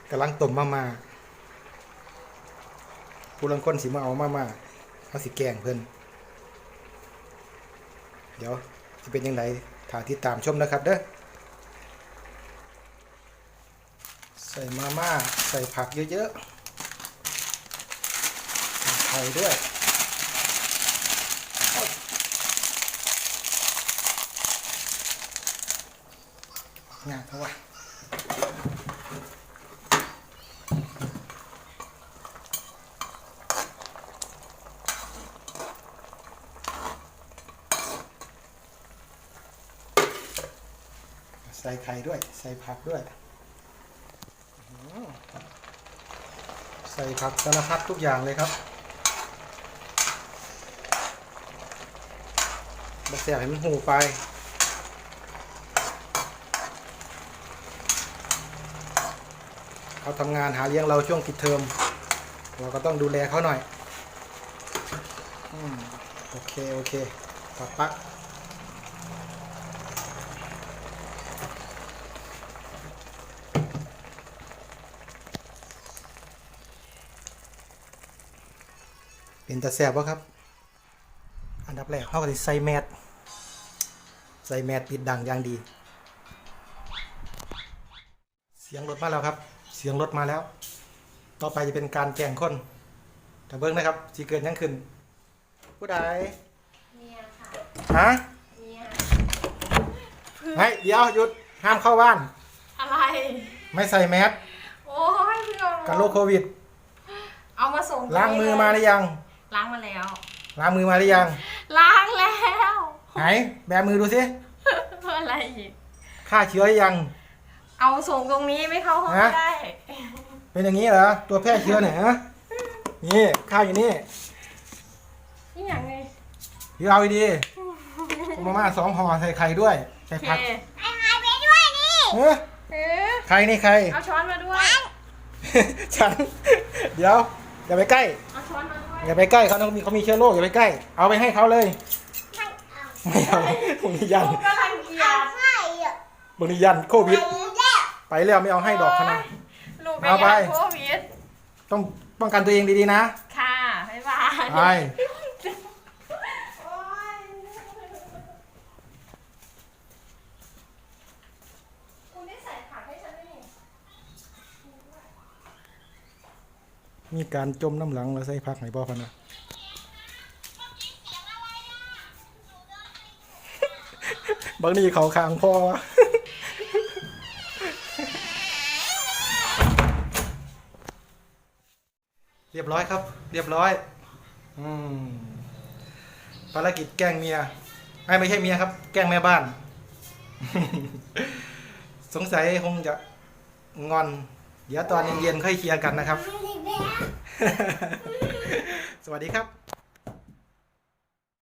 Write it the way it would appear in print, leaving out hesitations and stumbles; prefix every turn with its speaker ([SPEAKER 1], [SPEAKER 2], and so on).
[SPEAKER 1] กำลังต้มมาผู้ลังคนสิมาเอามาเอาสิแกงเพิ่นเดี๋ยวจะเป็นยังไงถ้าติดตามชมนะครับเด้อใส่มาม่าใส่ผักเยอะๆใส่ไข่ด้วยงานเขาว่าใส่ไข่ด้วยใส่ผักด้วยใส่ผักสารพัดทุกอย่างเลยครับบะเสียบให้มันหูไปเขาทำงานหาเลี้ยงเราช่วงปิดเทอมเราก็ต้องดูแลเขาหน่อยโอเคปักเป็นตาแซ่บวะครับอันดับแรกเขาก็จะใส่แมสปิดดังอย่างดีเสียงรถมาแล้วครับเสียงรถมาแล้วต่อไปจะเป็นการแกงคนแต่เบิ้งนะครับสีเกินยังขึ้นผู้ใดเมียค่ะฮะเมียเฮ้ยเดี๋ยวหยุดห้ามเข้าบ้าน
[SPEAKER 2] อะไร
[SPEAKER 1] ไม่ใส่แมส
[SPEAKER 2] โอ้ยเพื่อน
[SPEAKER 1] กันโรคโควิด
[SPEAKER 2] เอามาส่ง
[SPEAKER 1] ล้างมือมาหรือยัง
[SPEAKER 2] ล้างมาแล้ว
[SPEAKER 1] ล้างมือมาหรือยัง
[SPEAKER 2] ล้างแล้ว
[SPEAKER 1] ไหนแบมือดูสิ
[SPEAKER 2] อะไรอีก
[SPEAKER 1] ฆ่าเชื้อหรือยัง
[SPEAKER 2] เอาส่งตรงนี้ไม่เข้าห้องไม่ได้
[SPEAKER 1] เป็นอย่างนี้เหรอตัวแพร่เชื้อเนี่ยฮะนี่ข้าวอยู่นี่
[SPEAKER 2] นี่อย่างไง
[SPEAKER 1] เอาดีมาม่า2 ห่อใส่ไข่ด้วยใส่ผัก
[SPEAKER 2] ไข่ไปด้วยนี่
[SPEAKER 1] ใครนี่ใคร
[SPEAKER 2] เอาช้อนมาด้วย
[SPEAKER 1] ฉันเดี๋ยวอย่าไปใกล้
[SPEAKER 2] เอาช้อนมาด้วย
[SPEAKER 1] อย่าไปใกล้เขามีเชื้อโรคอย่าไปใกล้เอาไปให้เขาเลยไม่เอาบางทียันบางทียันโควิดไปแล้วไม่เอาให้ดอกคณะ
[SPEAKER 2] เอาไปโควิด
[SPEAKER 1] ต้องป้องกันตัวเองดีๆนะ
[SPEAKER 2] ค่ะบ๊ายบาย
[SPEAKER 1] ไปมีการจมน้ำหลังแล้วใส่พักไหนบ่พะนะบางทีเขาคางพอเรียบร้อยครับเรียบร้อยภารกิจแกล้งเมียไม่ใช่เมียครับแกล้งแม่บ้านสงสัยคงจะงอนเดี๋ยวตอนเย็นๆค่อยเคลียร์กันนะครับสวัสดีครับ